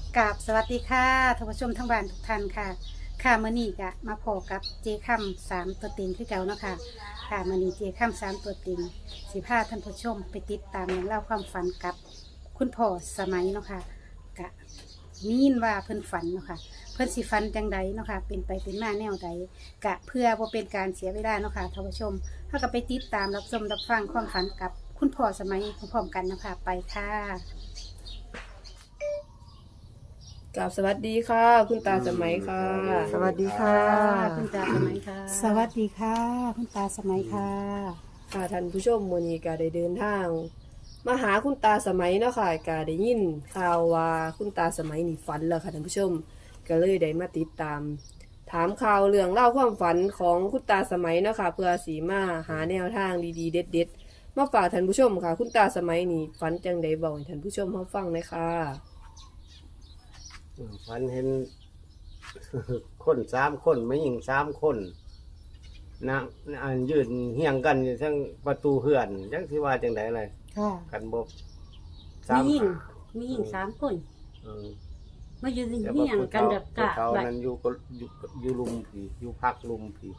กราบสวัสดีค่ะท่านผู้ชมทั้งบ้านทุกท่านค่ะค่ะมื้อนี้ก็มาพบกับเจค่ำสามตัวเต็งคือเก่าเนาะค่ะค่ะมื้อนี้เจค่ำสามตัวเต็งสิพาท่านผู้ชมไปติดตามเรื่องเล่าวความฝันกับคุณพ่อสมัยเนาะค่ะกะมียินว่าเพิ่นฝันเนาะค่ะเพิ่นสิฝันจังใดเนาะค่ะเป็นไปเป็นมาแนวใดกะเพื่อบ่เป็นการเสียเวลาเนาะค่ะท่านผู้ชมเฮาก็ไปติดตามรับชมรับฟังความฝันกับคุณพ่อสมัยพร้อมๆกันเนาะค่ะไปค่ะกับสวัสดีค่ะ คุณตาสมัยค่ะสวัสดีค่ะคุณตาสมัยค่ะสวัสดีค่ะ คุณตาสมัยค่ะค่ะท่านผู้ชมมื้อนี้ก็ได้เดินทางมาหาคุณตาสมัยเนาะค่ะก็ได้ยินข่าวว่าคุณตาสมัยนี่ฝันแล้วค่ะท่านผู้ชมก็เลยได้มาติดตาม ถามข่าวเรื่องเล่าวความฝันของคุณตาสมัยเนาะค่ะเพื่อสีมาหาแนวทางดีๆเด็ดๆมาฝากท่านผู้ชมค่ะ คุณตาสมัยนี่ฝันจังใดบอกให้ท่านผู้ชมเฮาฟังเลยค่ะฝันเห็น คน3 คนไม่ยิง3 คนนะอันยืนเฮียงกันอยู่ทั้งประตูเฮือนจังสิว่าจังได๋เลยค่ะกันบ่มีหญิงหามีหญิง3 คนเออมายืนแต่เหีว่า่ยงกันแบบกะผู้เฒ่าแบบนั้นอยู่ลุมผีอยู่พักลุมผี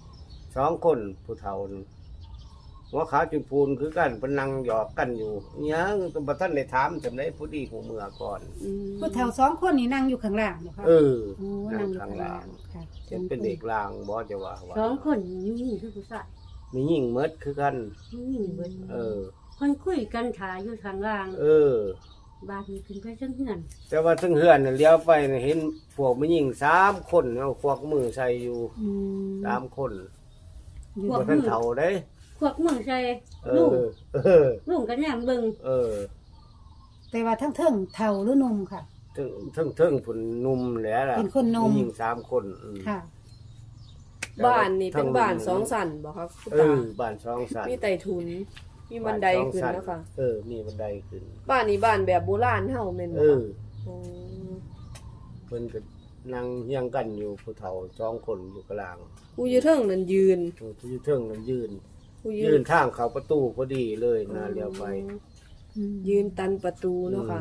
2 คนผู้เฒ่านั่นหัวขาวจุนพูนคือกันเพิ่นนั่งหยอกกันอยู่ยังบ่ทันได้ถามจำได้ผู้ดีผู้เมื่อก่อนผู้เฒ่า2 คนนี่นั่งอยู่ข้างล่างเหรอคะเออโอ้นั่นั่งงอยู่ข้าข้าง งล่าล่าง งค่ะเห็นเป็นเด็กลางบ่จะว่า 2 คนมีหญิงคือผู้ชายมียิ่งเมดคือกันมีหญิงเบิดเออคนคุยกันถ่ายอยู่ข้างล่างเออบาดนี้ขึ้นไปจังเฮือนแต่ว่าทั้งเฮือนน่ะเลี้ยวไปน่ะเห็นพวกมียิ่ง3 คนเอาควักมือใส่อยู่อืม 3 คนอยู่บ่ทันเฒ่าเด้พวกมึงใส่เอลุงอ เออลุงกันแนมเบิ่งเออแต่ว่าทั้งเทิงเฒ่าหรือหนุ่มค่ะถึงผุนหนุ่มแหละล่ะเป็นคนหนุ่มมียิ่ง3 คนค่ะบ้านนี่เป็นบ้านสองสันบ่คะคุณเอตาอบ้าน2 สันมีไต่ถุน มีบันไดขึ้นบ้าเนาะค่ะเออ มีบันไดขึ้นบ้านนี้บ้านแบบโบราณเฮาแม่นเอบ่อคะโอ้เพิ่นก็นั่งเฮียงกันอยู่ผู้เฒ่า2 คนอยู่กลางผู้อยู่เทิงนั่นยืนผู้อยู่เทิงนั้นยืนผู้ยืนทางเข้าประตูพอดีเลยนะเลี้ยวไปอืมยืนตันประตูเนาะค่ะ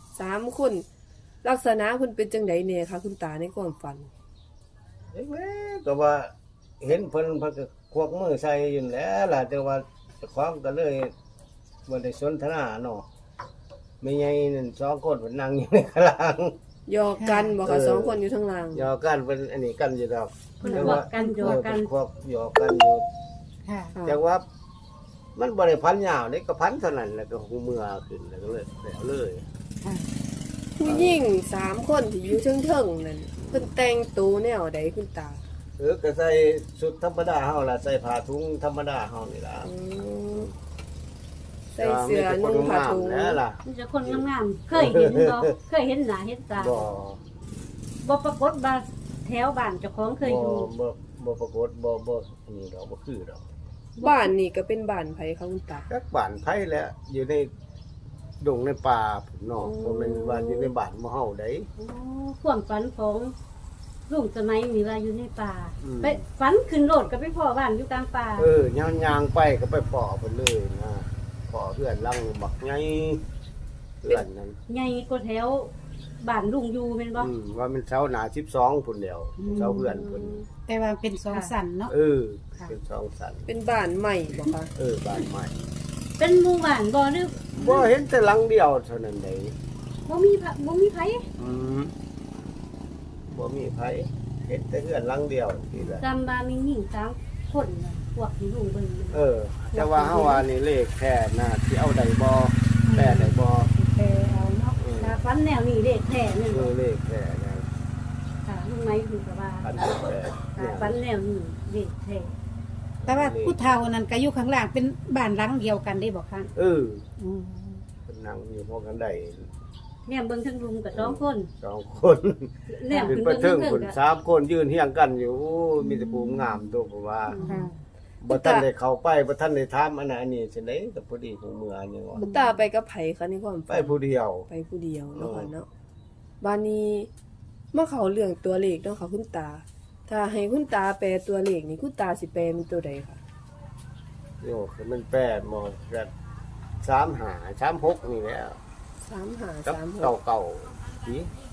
3 คน ลักษณะเพิ่นเป็นจังไดแน่คะคุณตาในความฝันเอ๊ะก็ว่าเห็นเพิ่นก็ควักมือใส่อยู่แหล้วล่ะแต่ว่าเจ้าของก็เลยบ่ได้สนทนาเนาะไม่ใหญ่นั่น2 คนเพิ่นนั่งอยู่ในข้างล่างหยอกกันบ่คะ2 คนอยู่ทางล่างหยอกกันเพิ่นอันนี้กันอยู่ดอกเพิ่นพวกกันโยกันควักหยอกกันอยู่ค่ะค่ะแต่ว่ามันบ่ได้พันยาวนี่ก็พันเท่านั้นแล้วก็หูเมื่อขึ้นแล้วก็เลยแล้วเลยค่ะผู้หญิง3 คนที่อยู่เทิงๆนั่นเพิ่นแต่งตัวแนวใดคุณตาก็ใส่ชุดธรรมดาเฮาล่ะใส่ผ้าถุงธรรมดาเฮานี่ล่ะอืมใส่เสื้อนุ่งผ้าถุงแล้วล่ะมีแต่คนงามๆเคยเห็นบ่เคยเห็นหน้าเห็นตาบ่บ่ปรากฏว่าแถวบ้านเจ้าของเคยอยู่บ่ปรากฏบ่อันนี้ดอกบ่คือดอกบ้านนี่ก็เป็นบ้านไผคะคุณตาจักบ้านไผแหละอยู่ในดงในป่าพุ่นเนาะบ่แม่นว่าอยู่ในบ้านหมู่เฮาได้โอ้ความฝันของลุงสมัยมีว่าอยู่ในป่าอืมไปฝันขึ้นโลดก็ไปพ่อบ้านอยู่กลางป่าย่างๆไปก็ไปพ้อเพิ่นเลยนะพ้อเพื่อนลังบักใหญ่เพื่อนนั้นใหญ่กว่าแถวบ้านลุงอยู่แม่นบ่ว่ามันเสาหน้า12พุ่นแล้วเสาเพื่อนเพิ่นแต่ว่าเป็น2 สันเนาะเออค่ะเป็น2 สันเป็นบ้านใหม่บ่คะบ้านใหม่เป็นหมู่บ้านบ่หรือบ่เห็นแต่หลังเดียวเท่านั้นเด้บ่มีไผอืมบ่มีไผเห็นแต่เฮือนหลังเดียวนี่แหละจำว่ามีหญิง3 คนน่ะพวกที่ลุงเบิ่งน่ะแต่ว่าเฮาว่านี่เลขแท้น่ะสิเอาได้บ่แปลได้บ่แต่เอาเนาะถ้าฝันแนวนี้เลขแท้แม่นบ่เลขแท้นะค่ะลุงไม้คือก็ว่าอันนี้แท้ถ้าฝันแนวนี้เลขแท้แต่ว่าผู้เฒ่านั้นก็อยู่ข้างล่างเป็นบ้านหลังเดียวกันได้บ่คะเอออืมเพิ่นนั่งอยู่พอกันได้แนมเบิ่งทั้งลุงกับ2 คน 2 คนแนมขึ้นขึ้นไปเบิ่งถึทั้งงพุ่นก็ 3 คนยืนเฮียงกันอยู่โอ้มีแต่ภูมิงามตัวผมว่าค่ะบ่ทันได้เข้าไปบ่ทันได้ถามอันนั้นอันนี้จังได๋ก็พอดีหูเมื่อนี่ว่าคุณตาไปกับไผคะในความไปฝันผู้เดียวไปผู้เดียวเนาะค่ะเนาะบ้านนี้มาเข้าเรื่องตัวเลขเนาะค่ะคุณตา ถ้าให้คุณตาแปลตัวเลขนี่คุณตาสิแปลเป็นตัวใดคะโยคือมันแปดหมดก็35 36นี่แหล้ว 35 กับ 36 เก่าๆสิ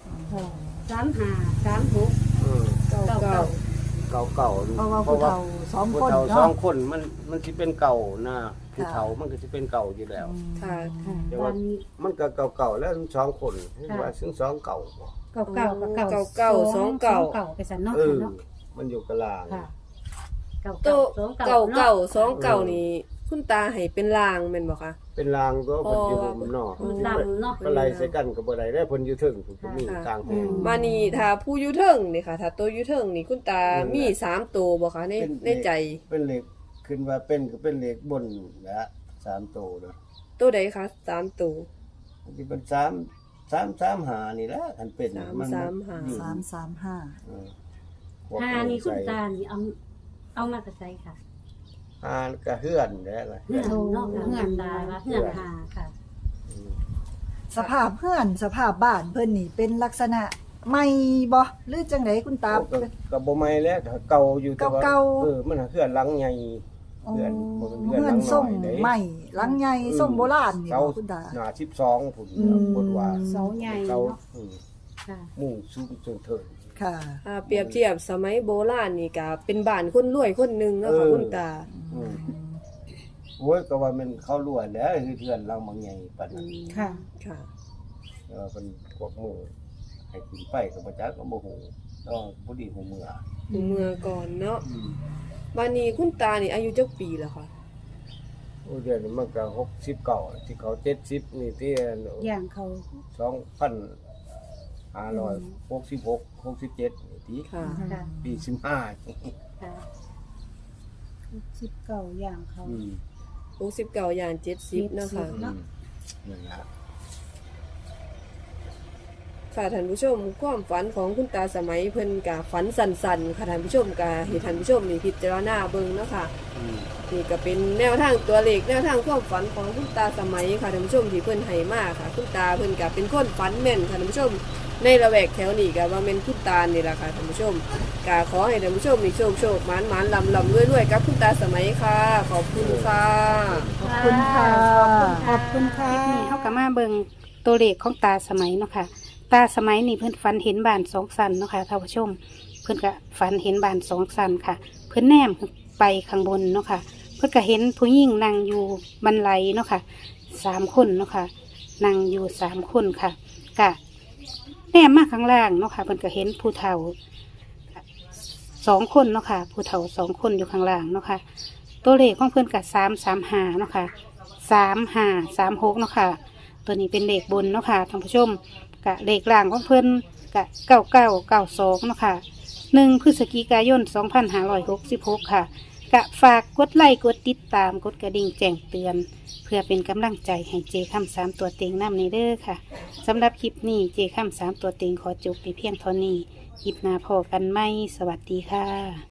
35 36 อืมเก่าเก่าเพราะว่าผู้เฒ่าสองผู้คนเฒ่าสอเนาะงคนมันสิเป็นเก่านะผู้เฒ่ามันก็สิเป็นเก่าอยู่แล้วค่ะค่ะแต่ว่ามันก็เก่าๆแล้วสองคนว่าซึ่งสองเก่าบ่เก่ากับเก่าเก่าสองเก่าเก่าไปสันเนาะเออเนาะมันอยู่กลางค่ะโตเก่าสองเก่านี่คุณตาให้เป็นลางแม่นบ่คะเป็นรางก็เพิ่นอยู่ห่มนอกมันดำเนาะก็ไล่ใส่กันก็บ่ได้ได้เพิ่นอยู่ถึงผมก็มีกลางแพงมานี่ถ้าผู้อยู่เทิงนี่ค่ะ ถ้าตัวอยู่เทิงนี่คุณตามี3ตัวบ่คะในใจเป็นเหล็กขึ้นว่าเป็นก็เป็นเหล็กบนนะ3โตเด้อตัวใดคะ3ตัวที่เป็น3 หานี่แหละคันเป็น 3 อยู่ 335 เออหานี่คุณตานี่เอามากระใสค่ะหาก็เฮือนได้ล่ะเฮือนเนาะค่ะเฮือนตาว่าเฮือนหาค่ะอืมสภาพเฮือนสภาพบ้านเพิ่นนี่เป็นลักษณะใหม่บ่หรือจังไดคุณตาก็บ่ใหม่แล้วเก่าอยู่แต่ว่าเก่าๆมันเฮือนหลังใหญ่อ๋อเฮือนบ่เป็นเฮือนเฮืหอลันงทรงน้อยเด้ใหม่หลังใหญ่ทรงโบราณนี่เก่าบ่คุณตาหน้า12พุ่นอืมพุ่นว่าเสาใหญ่เก่าเนาะอืมค่ะมุ่งสูงจนเถิดค่ะถ้าเปรียบเทียบสมัยโบราณนี่ก็เป็นบ้านคนรวยคนหนึงเนาะค่ะคุณตาอืมโอ้ยก็ว่ามันเข้ารวยแล้วคือเทือนเราบางใหญ่ปานนั้นค่ะค่ะเป็นพวกหมู่ให้ขึ้นไปก็บ่จักก็บ่ฮู้ต้องบ่ดีฮู้เมื่อเมื่อก่อนเนาะอืมวันนี้คุณตานี่อายุจักปีแล้วค่ะโอ้เดือนนี้มันก็69ที่เขา70นี่ที่อย่างเขา 2566 67นี่ที่ค่ะค่ะปี15 ค่ะ19อย่างเขาอืม 69อย่าง70เนาะค่ะเนาะนั่นล่ะค่ะท่านผู้ชมความฝันของคุณตาสมัยเพิ่นกะฝันสั่นๆค่ะท่านผู้ชมกะให้ท่านผู้ชมนี่พิจารณาเบิ่งเนาะค่ะอืมนี่ก็เป็นแนวทางตัวเลขแนวทางความฝันของคุณตาสมัยค่ะท่านผู้ชมที่เพิ่นให้มาค่ะคุณตาเพิ่นก็เป็นคนฝันแม่นค่ะท่านผู้ชมในละแวกแถวนี้ก็ว่าแม่นคุณตานี่ล่ะค่ะท่านผู้ชมก็ขอให้ท่านผู้ชมมีโชคหมานๆลำๆรวยๆกับคุณตาสมัยค่ะ ขอบคุณค่ะขอบคุณค่ะขอบคุณค่ะเฮาก็มาเบิ่งตัวเลขของตาสมัยเนาะค่ะ ตาสมัยนี่เพิ่นฝันเห็นบ้าน2 ชั้นเนาะค่ะท่านผู้ชม เพิ่นก็ฝันเห็นบ้าน2 ชั้นค่ะ เพิ่นแนมไปข้างบนเนาะค่ะ เพิ่นก็เห็นผู้หญิงนั่งอยู่บันไดเนาะค่ะ3 คนเนาะค่ะนั่งอยู่3 คนค่ะกะแนมมาข้างล่างเนาะค่ะเพิ่นก็เห็นผู้เฒ่า2 คนเนาะค่ะผู้เฒ่า2 คนอยู่ข้างล่างเนาะค่ะ ตัวเลขของเพิ่นกะ335เนาะค่ะ3536เนาะค่ะ ตัวนี้เป็นเลขบนเนาะค่ะท่านผู้ชมกะเลขล่างของเพิ่นกะ9992เนาะค่ะ1 พฤศจิกายน 2566 ค่ะ กะฝากกดไลค์กดติดตามกดกระดิ่งแจ้งเตือน เพื่อเป็นกำลังใจให้เจค่ำ3ตัวเต็งน้ำในเด้อค่ะสำหรับคลิปนี้เจค่ำ3ตัวเต็งขอจบไปเพียงเท่านี้คลิปหน้าพอกันไหมสวัสดีค่ะ